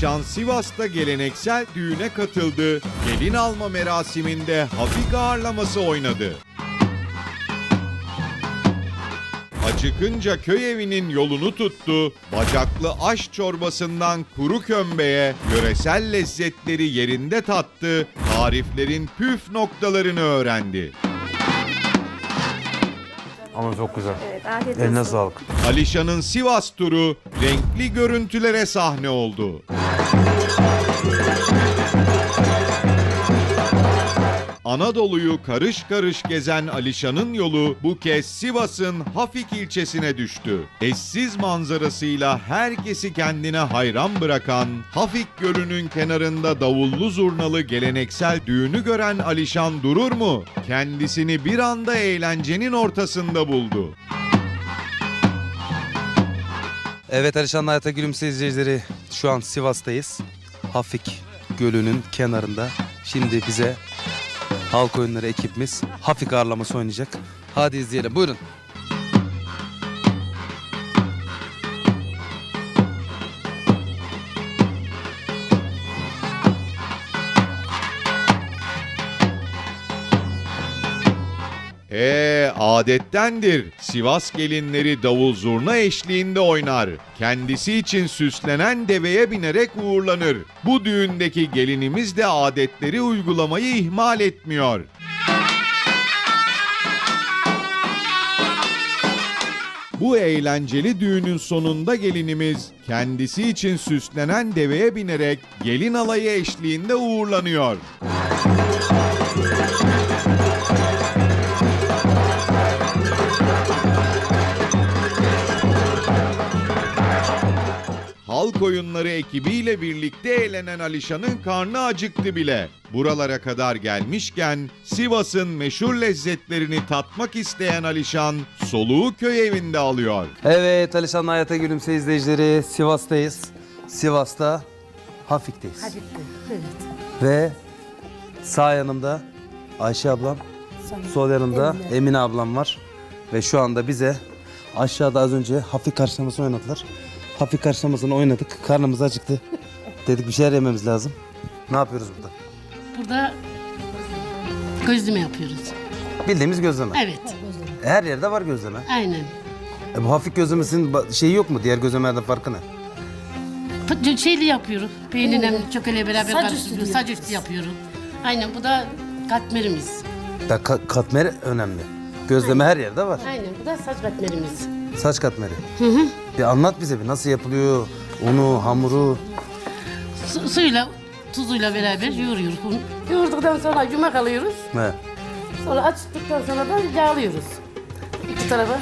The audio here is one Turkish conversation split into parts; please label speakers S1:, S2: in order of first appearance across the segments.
S1: Alişan Sivas'ta geleneksel düğüne katıldı. Gelin alma merasiminde hafik ağırlaması oynadı. Acıkınca köy evinin yolunu tuttu, bacaklı aş çorbasından kuru kömbeye, yöresel lezzetleri yerinde tattı, tariflerin püf noktalarını öğrendi.
S2: Ama çok güzel.
S3: Evet, afiyet
S2: Eline
S3: olsun.
S2: sağlık.
S1: Alişan'ın Sivas turu renkli görüntülere sahne oldu. Anadolu'yu karış karış gezen Alişan'ın yolu bu kez Sivas'ın Hafik ilçesine düştü. Eşsiz manzarasıyla herkesi kendine hayran bırakan, Hafik Gölü'nün kenarında davullu zurnalı geleneksel düğünü gören Alişan durur mu? Kendisini bir anda eğlencenin ortasında buldu.
S2: Evet Alişan'la Hayata Gülümse izleyicileri, şu an Sivas'tayız. Hafik Gölü'nün kenarında. Şimdi bize halk oyunları ekibimiz Hafik ağırlaması oynayacak. Hadi izleyelim, buyurun.
S1: Adettendir. Sivas gelinleri davul zurna eşliğinde oynar. Kendisi için süslenen deveye binerek uğurlanır. Bu düğündeki gelinimiz de adetleri uygulamayı ihmal etmiyor. Bu eğlenceli düğünün sonunda gelinimiz kendisi için süslenen deveye binerek gelin alayı eşliğinde uğurlanıyor. Halk oyunları ekibiyle birlikte eğlenen Alişan'ın karnı acıktı bile. Buralara kadar gelmişken Sivas'ın meşhur lezzetlerini tatmak isteyen Alişan soluğu köy evinde alıyor.
S2: Evet Alişan'la Hayata Gülümse izleyicileri, Sivas'tayız. Sivas'ta Hafik'teyiz.
S3: Hadi, evet.
S2: Ve sağ yanımda Ayşe ablam, sol yanımda Emine ablam var. Ve şu anda bize aşağıda az önce Hafik karşılaması oynadılar. Hafik karşılamasını oynadık. Karnımız acıktı. Dedik bir şeyler yememiz lazım. Ne yapıyoruz burada?
S4: Burada gözleme yapıyoruz.
S2: Bildiğimiz gözleme.
S4: Evet,
S2: Her yerde var gözleme.
S4: aynen.
S2: Bu Hafik gözlemesinin şeyi yok mu? Diğer gözlemelerden farkı ne?
S4: Şeyli yapıyoruz. Peynirle çökele beraber
S3: Saç
S4: karıştırıyoruz.
S3: üstü
S4: Saç üstü yapıyoruz. Aynen, bu da katmerimiz.
S2: Da katmeri önemli. Gözleme her yerde var.
S4: Aynen, bu da saç katmerimiz.
S2: Saç katmeri. Bir anlat bize bir nasıl yapılıyor? Unu, hamuru.
S4: Suyla, tuzuyla beraber yoğuruyoruz. Yoğurduktan sonra yumak alıyoruz.
S2: He.
S4: Sonra açtıktan sonra da yağlıyoruz. İki tarafa.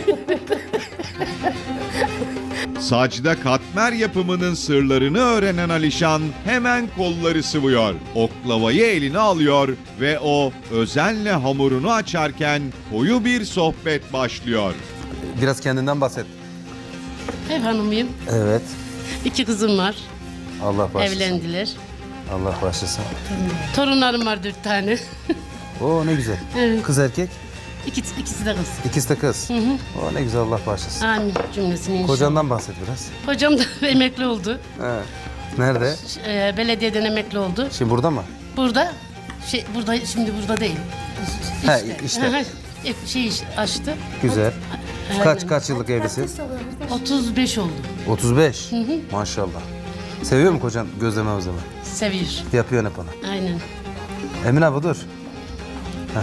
S1: Sacda katmer yapımının sırlarını öğrenen Alişan hemen kolları sıvıyor. Oklavayı eline alıyor ve o özenle hamurunu açarken koyu bir sohbet başlıyor.
S2: Biraz kendinden bahset.
S4: Ev hanımıyım.
S2: Evet.
S4: 2 kızım var.
S2: Allah bağışlasın.
S4: Evlendiler.
S2: Allah bağışlasın.
S4: Torunlarım var 4 tane.
S2: Oo ne güzel.
S4: Evet.
S2: Kız erkek,
S4: İkisi de kız.
S2: ikisi de kız. Oo ne güzel, Allah bağışlasın.
S4: Amin cümlesini inşallah.
S2: Kocandan bahset biraz.
S4: Kocam da emekli oldu.
S2: He. Nerede?
S4: Belediyeden emekli oldu.
S2: Şimdi burada mı?
S4: Burada, şimdi burada değil.
S2: He, işte.
S4: Açtı.
S2: Güzel.
S4: Aynen.
S2: Kaç yıllık evlisin?
S4: 35 oldu.
S2: 35. Maşallah. Seviyor mu kocan gözleme özleme?
S4: Seviyor.
S2: Yapıyor hep ona.
S4: Aynen.
S2: Emine abi dur. Heh.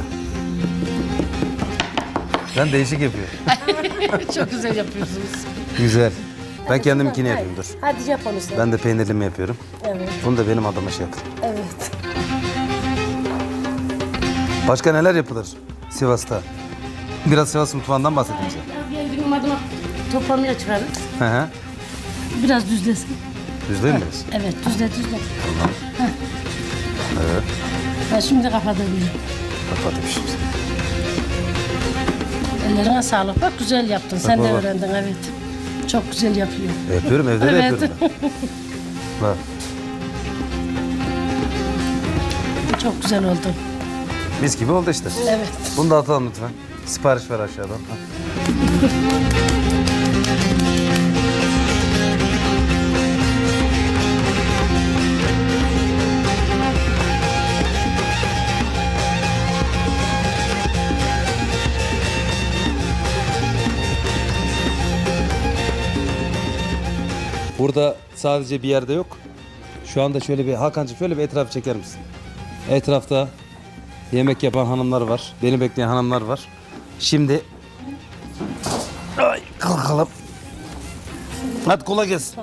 S2: Ben değişik yapıyor.
S4: Çok güzel yapıyorsunuz.
S2: Güzel. Ben kendimkini yapayım dur.
S3: Hadi yap onu sen.
S2: Ben de peynirlimi yapıyorum.
S3: Evet,
S2: Bunu da benim adıma şey yapın.
S3: evet.
S2: Başka neler yapılır Sivas'ta? Biraz Sivas mutfağından bahsedeyim size.
S4: Geldiğim adıma toplamaya çıkarız.
S2: Hı hı.
S4: Biraz düzlesin.
S2: Düzleyin mi biz?
S4: Evet, düzle. Evet. Ben şimdi kapatıyorum.
S2: Kapatayım şimdi.
S4: Ellerine sağlık. Bak güzel yaptın. Sen de
S2: baba.
S4: öğrendin, evet. Çok güzel yapıyor.
S2: Yapıyorum, evde de
S4: Evet.
S2: yapıyorum ben. Bak.
S4: Çok güzel oldu.
S2: Mis gibi oldu işte.
S4: Evet.
S2: Bunu da atalım lütfen. Sipariş ver aşağıdan. Ha. Burada sadece bir yerde yok. Şu anda şöyle bir Hakan'cığım şöyle bir etrafı çeker misin? Etrafta yemek yapan hanımlar var. Beni bekleyen hanımlar var. Şimdi kalkalım. Hadi kolay gelsin.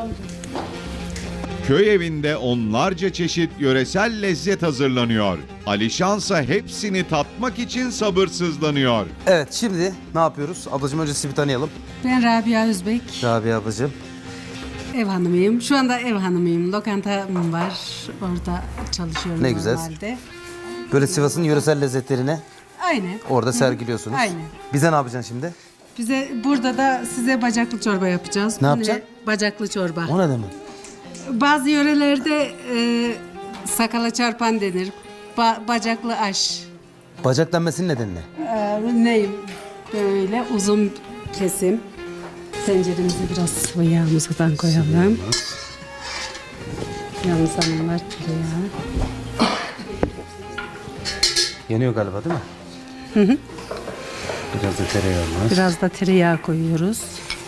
S1: Köy evinde onlarca çeşit yöresel lezzet hazırlanıyor. Alişansa hepsini tatmak için sabırsızlanıyor.
S2: Evet şimdi ne yapıyoruz? Ablacığım önce sizi bir tanıyalım.
S3: Ben Rabia Özbek,
S2: Rabia ablacığım.
S3: ev hanımıyım. Şu anda ev hanımıyım. Lokantam var. Orada çalışıyorum
S2: Ne güzel.
S3: normalde.
S2: Böyle Sivas'ın yöresel lezzetlerini
S3: Aynen.
S2: orada sergiliyorsunuz.
S3: Aynen.
S2: Bize ne yapacaksın şimdi?
S3: Bize burada da size bacaklı çorba yapacağız.
S2: Ne
S3: Bu
S2: yapacaksın?
S3: Bacaklı çorba.
S2: O ne demek?
S3: Bazı yörelerde sakala çarpan denir. Bacaklı aş.
S2: Bacak denmesinin nedeni ne?
S3: Neyim? Böyle uzun kesim. Tenceremize biraz sıvı yağımızdan koyalım. Yalnız hanımlar tereyağı.
S2: Yanıyor galiba değil mi? Hı. Biraz da tereyağı var.
S3: Biraz da tereyağı koyuyoruz.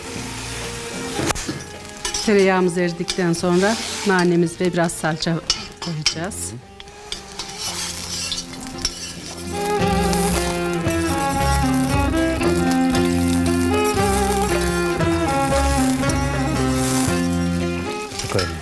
S3: Tereyağımız eridikten sonra nanemiz ve biraz salça koyacağız.
S2: Çok önemli.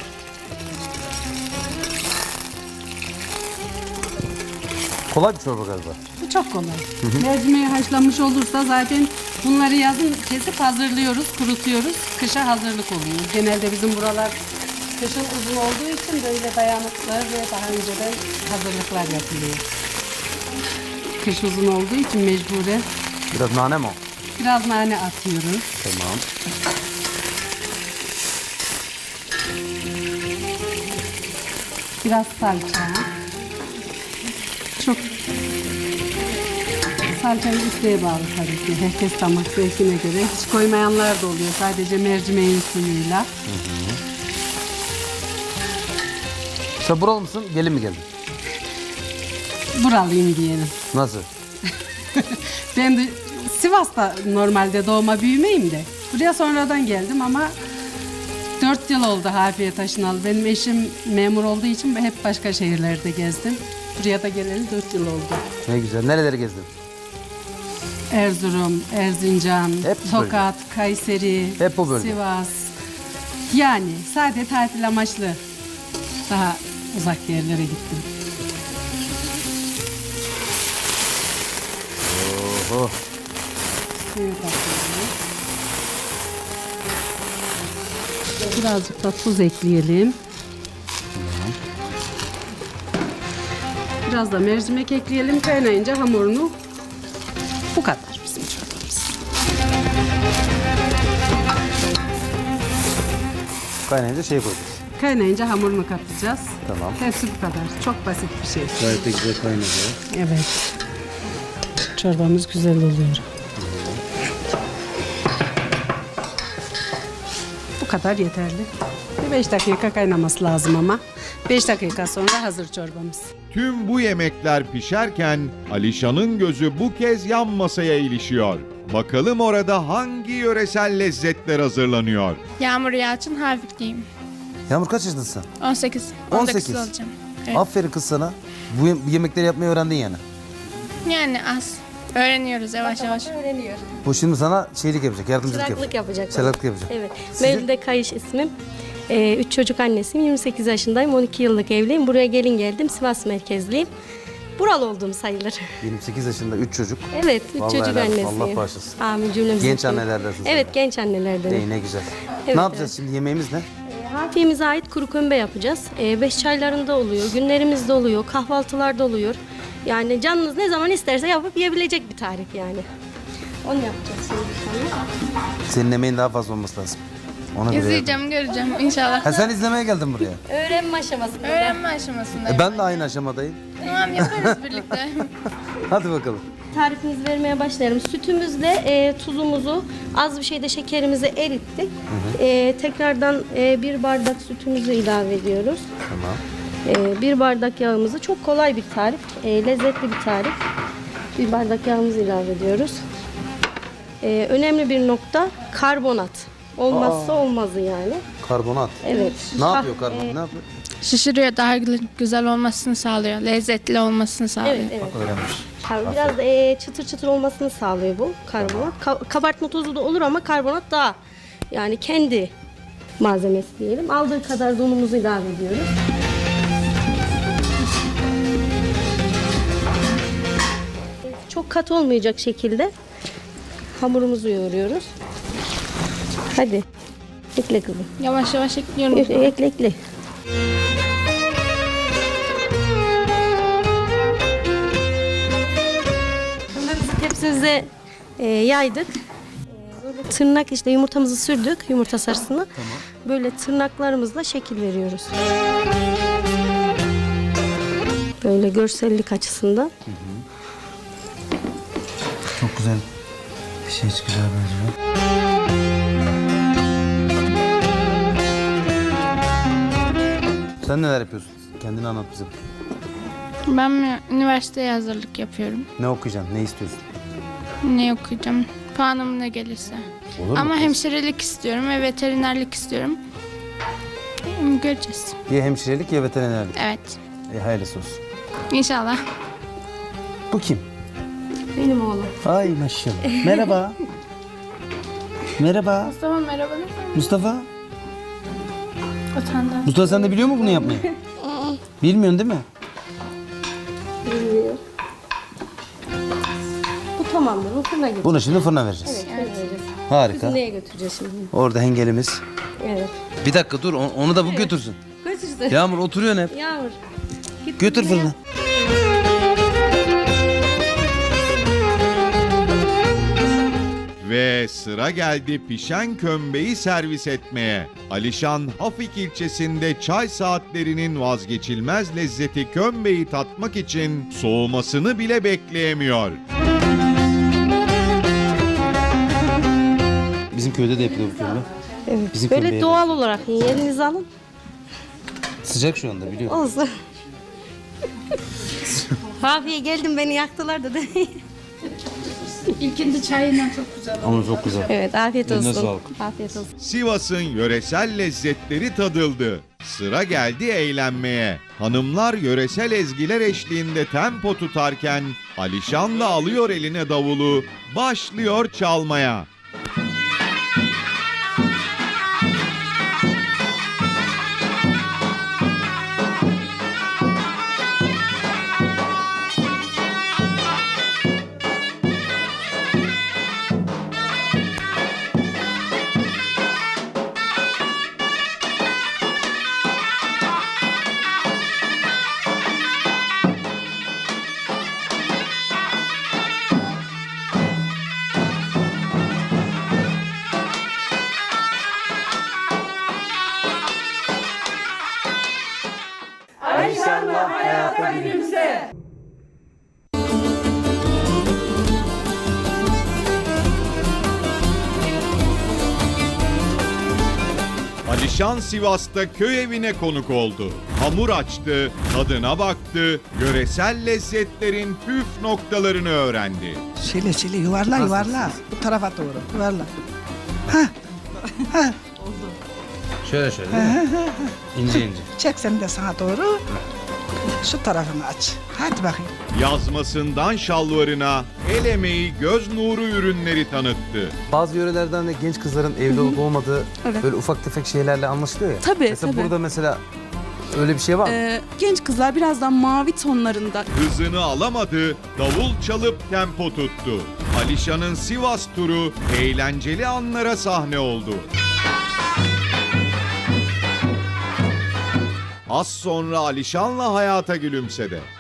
S2: Kolay bir çorba galiba.
S3: Bu çok kolay. Mercimeği haşlanmış olursa zaten bunları yazın kesip hazırlıyoruz, kurutuyoruz. Kışa hazırlık oluyor. Genelde bizim buralar kışın uzun olduğu için böyle dayanıklı ve daha önceden hazırlıklar yapılıyor. Kış uzun olduğu için mecburen
S2: Biraz nane mi o?
S3: biraz nane atıyoruz.
S2: Tamam.
S3: Biraz salça. Çok salçayı isteğe bağlı tabii ki. Herkes damak zevkine göre. Hiç koymayanlar da oluyor. Sadece mercimeğin suyuyla.
S2: Sen buralı mısın? Gelin mi geldin?
S3: Buralıyım diyelim.
S2: Nasıl?
S3: Ben de Sivas'ta normalde doğma büyümeyim de. Buraya sonradan geldim ama 4 yıl oldu Harbiye taşınalı. Benim eşim memur olduğu için hep başka şehirlerde gezdim. Buraya da geleli 4 yıl oldu.
S2: Ne güzel. Nereleri gezdin?
S3: Erzurum, Erzincan,
S2: Hep bu bölge.
S3: Tokat, Kayseri,
S2: Hep bu bölge.
S3: Sivas. Yani sadece tatil amaçlı daha uzak yerlere gittim.
S2: Oho.
S3: Suyu katıyoruz. Birazcık da tuz ekleyelim. Biraz da mercimek ekleyelim. Kaynayınca hamurunu bu kadar bizim çorbamız.
S2: Kaynayınca şey koyacağız.
S3: Kaynayınca hamurunu katacağız.
S2: Tamam.
S3: Hepsi bu kadar. Çok basit bir şey.
S2: Gayet de güzel kaynadı.
S3: Evet. Çorbamız güzel oluyor. Bu kadar yeterli. Bir 5 dakika kaynaması lazım ama. 5 dakika sonra hazır çorbamız.
S1: Tüm bu yemekler pişerken Alişan'ın gözü bu kez yan masaya ilişiyor. Bakalım orada hangi yöresel lezzetler hazırlanıyor?
S5: Yağmur Yalçın Hafikliyim.
S2: Yağmur kaç yaşındasın?
S5: 18.
S2: 18.
S5: olacağım. Evet.
S2: Aferin kız sana. Bu yemekleri yapmayı öğrendin yani.
S5: Yani az. Öğreniyoruz yavaş yavaş.
S2: Bu şimdi sana şeylik yapacak, yardımcılık
S6: Çıraklık yapacak.
S2: Çıraklık yapacak.
S6: Evet. Mevlüde Kayış ismim. 3 çocuk annesiyim. 28 yaşındayım. 12 yıllık evliyim. Buraya gelin geldim. Sivas merkezliyim. Buralı olduğum sayılır.
S2: 28 yaşında 3 çocuk.
S6: Evet. 3
S2: Vallahi
S6: çocuk
S2: helal olsun.
S6: annesiyim.
S2: Allah bağışlasın.
S6: Amin cümlemize.
S2: Genç annelerdensin sen
S6: Evet
S2: de.
S6: genç annelerden.
S2: İyi ne güzel.
S6: Evet,
S2: ne yapacağız şimdi yemeğimiz ne?
S6: Hafiyemize ait kuru kömbe yapacağız. 5 çaylarında oluyor. Günlerimizde oluyor. Kahvaltılarda oluyor. Yani canınız ne zaman isterse yapıp yiyebilecek bir tarif yani. Onu yapacağız şimdi sana.
S2: Senin emeğin daha fazla olması lazım. Ona göre.
S5: İzleyeceğim, göreceğim inşallah.
S2: Ha sen izlemeye geldin buraya.
S6: Öğrenme aşamasında.
S5: Öğrenme aşamasındayım.
S2: Ben de aynı aşamadayım.
S5: Tamam yaparız birlikte.
S2: Hadi bakalım.
S6: Tarifimizi vermeye başlayalım. Sütümüzle tuzumuzu, az bir şeyde şekerimizi erittik. Tekrardan 1 bardak sütümüzü ilave ediyoruz.
S2: Tamam.
S6: 1 bardak yağımızı, çok kolay bir tarif, lezzetli bir tarif. 1 bardak yağımızı ilave ediyoruz. Önemli bir nokta karbonat. Olmazsa olmazı yani.
S2: Karbonat.
S6: Evet.
S2: Ne yapıyor karbonat? Ne yapıyor?
S5: Şişiriyor, daha güzel olmasını sağlıyor. Lezzetli olmasını sağlıyor.
S6: Evet, evet.
S2: Öğrenmiş.
S6: Biraz da çıtır çıtır olmasını sağlıyor bu karbonat. Kabartma tozu da olur ama karbonat daha yani kendi malzemesi diyelim. Aldığı kadar da unumuzu ilave ediyoruz. Çok katı olmayacak şekilde hamurumuzu yoğuruyoruz. Hadi. Ekle kızım.
S5: Yavaş yavaş ekliyorum.
S6: Ekle ekle. Bunları biz tepsimize yaydık. Böyle tırnak işte yumurtamızı sürdük, yumurta sarısını. Böyle tırnaklarımızla şekil veriyoruz. Böyle görsellik açısından.
S2: Çok güzel. Bir şey çıkacağı benziyor. Sen neler yapıyorsun? Kendini anlat bize.
S5: Ben üniversiteye hazırlık yapıyorum.
S2: Ne okuyacaksın? Ne istiyorsun?
S5: Ne okuyacağım? Puanım ne gelirse.
S2: Olur mu
S5: Ama
S2: kız?
S5: hemşirelik istiyorum ve veterinerlik istiyorum. Göreceğiz.
S2: Ya hemşirelik ya veterinerlik.
S5: Evet.
S2: Hayırlısı olsun.
S5: İnşallah.
S2: Bu kim?
S6: Benim oğlum.
S2: Ay maşallah. Merhaba. Merhaba.
S5: Mustafa merhaba.
S2: Mustafa.
S5: Utandım.
S2: Mustafa sen de biliyor musun bunu yapmayı? Bilmiyorsun değil mi?
S6: Bilmiyor. Bu tamamdır. Bu fırına götüreceğiz.
S2: Bunu şimdi fırına vereceğiz.
S6: Evet, fırına vereceğiz.
S2: Harika.
S6: Biz neye götüreceğiz şimdi?
S2: Orada hengelimiz.
S6: Evet.
S2: Bir dakika dur onu da bu götürsün.
S6: Götüreceğiz.
S2: Yağmur oturuyorsun hep.
S6: Yağmur. Git
S2: Götür
S6: fırına.
S2: fırına.
S1: Ve sıra geldi pişen kömbeyi servis etmeye. Alişan, Hafik ilçesinde çay saatlerinin vazgeçilmez lezzeti kömbeyi tatmak için soğumasını bile bekleyemiyor.
S2: Bizim köyde de yapılıyor bu kömbe.
S6: Evet.
S2: Bizim
S6: Böyle
S2: kömbeye
S6: doğal olarak yiyin. Elinize alın.
S2: Sıcak şu anda biliyorum.
S6: Olsun. Hafiye geldim beni yaktılar da.
S5: İlkinde çayından çok güzel.
S2: Ama çok güzel.
S6: Evet afiyet
S2: Eline
S6: olsun.
S2: sağlık.
S6: Afiyet olsun.
S1: Sivas'ın yöresel lezzetleri tadıldı. Sıra geldi eğlenmeye. Hanımlar yöresel ezgiler eşliğinde tempo tutarken Alişan da alıyor eline davulu, başlıyor çalmaya. Alişan Sivas'ta köy evine konuk oldu. Hamur açtı, tadına baktı, yöresel lezzetlerin püf noktalarını öğrendi.
S7: Şöyle yuvarla. Bu tarafa doğru yuvarla.
S2: Şöyle şöyle değil mi? İnce ince.
S7: Çek sen de sana doğru. Şu tarafını aç. Hadi bakayım.
S1: Yazmasından şalvarına el emeği göz nuru ürünleri tanıttı.
S2: Bazı yörelerden de genç kızların evli olup olmadığı böyle ufak tefek şeylerle anlaşılıyor ya.
S8: Tabii,
S2: Mesela
S8: tabii.
S2: burada mesela öyle bir şey var mı?
S8: Genç kızlar birazdan mavi tonlarında.
S1: Hızını alamadı, davul çalıp tempo tuttu. Alişan'ın Sivas turu eğlenceli anlara sahne oldu. Az sonra Alişan'la hayata gülümsedi.